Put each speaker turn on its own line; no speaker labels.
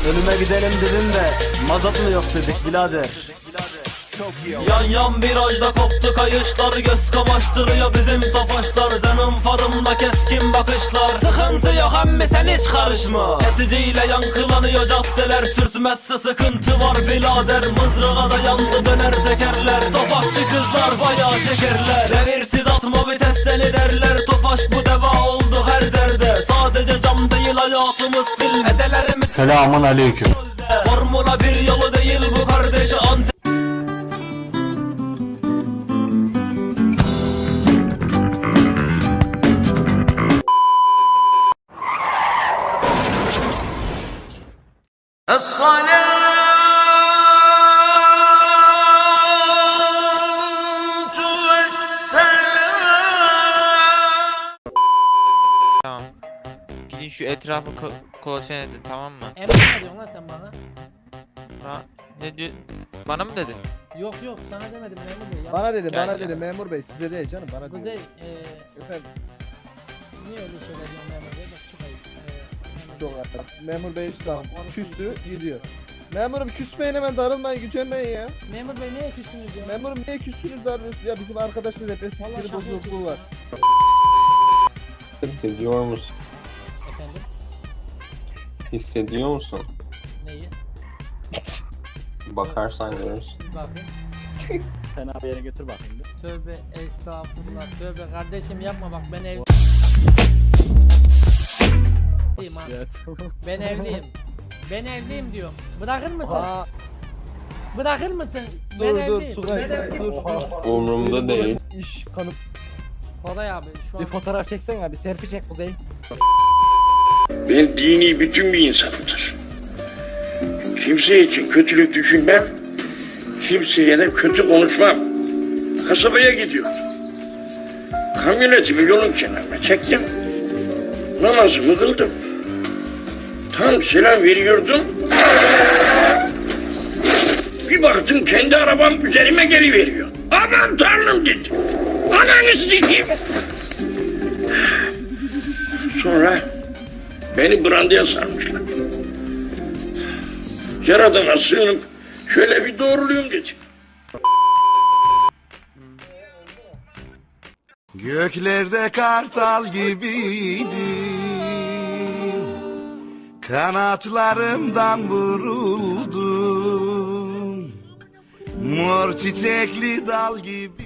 Ölüme gidelim dedim de mazot mu yok dedik birader.
Yan yan virajda koptu kayışlar, göz kamaştırıyor bizim tofaşlar. Senin farımda keskin bakışlar, sıkıntı yok emmi sen hiç karışma. Kesiciyle yankılanıyor caddeler, sürtmezse sıkıntı var birader. Mızrağa da yandı döner tekerler, tofaşçı kızlar bayağı şekerler. Devirsiz atma vites deli derler, tofaş bu deva oldu her derde. Sadece cam değil hayatımız film, edelerimiz
Selamun aleyküm.
Formula bir yolu değil bu kardeşi.
Tamam. Gidin şu etrafı kolaçan edin, tamam mı?
Emre ne diyorsun lan sen bana?
Ha, ne diyor? Bana mı dedin?
Yok yok sana demedim memur bey.
Bana dedi,
Gel
bana
ya.
dedi memur bey, size değil canım, bana dedi.
Kuzey
Efendim,
niye öyle söylüyorsun memur bey? Bak çok ayıp.
çok hatta. Memur bey işte küstü, gidiyor. Memurum küsmeyin, hemen darılmayın, gücenmeyin ya.
Memur bey neye küstünüz ya?
Memurum niye küstünüz, darılıyorsunuz ya? Bizim arkadaşla depresif
Vallahi
sinir
şaka
bozukluğu
yapıyorsun
var.
ya.
Hissediyor musun?
Efendim
Hissediyor musun?
neyi?
Bakarsan görürsün.
Bakın.
Fena bir yere götür bakayım bir.
Tövbe estağfurullah. Tövbe kardeşim yapma bak ben evliyim ha. Ben evliyim. Ben evliyim diyorum. Bırakır mısın?
Aa,
Bırakır mısın?
dur
Ben
dur
evliyim.
Tugay,
Ben evliyim.
dur.
Umurumda değil.
İş kanıp.
Koray abi şu an.
fotoğraf çeksen ya, bir selfie çek Kuzey.
Ben dini bütün bir insanımdır. Kimse için kötülük düşünmem, kimseye de kötü konuşmam. Kasabaya gidiyordum. Kamyonetimi yolun kenarına çektim. Namazımı kıldım. Tam selam veriyordum. Bir baktım kendi arabam üzerime geliveriyor. Aman tanrım dedim. Ananı sikeyim. Sonra beni brandaya sarmışlar. Yaradana sığınıp şöyle bir doğruluyum dedim.
Göklerde kartal gibiydim, kanatlarımdan vuruldum, mor çiçekli dal gibi.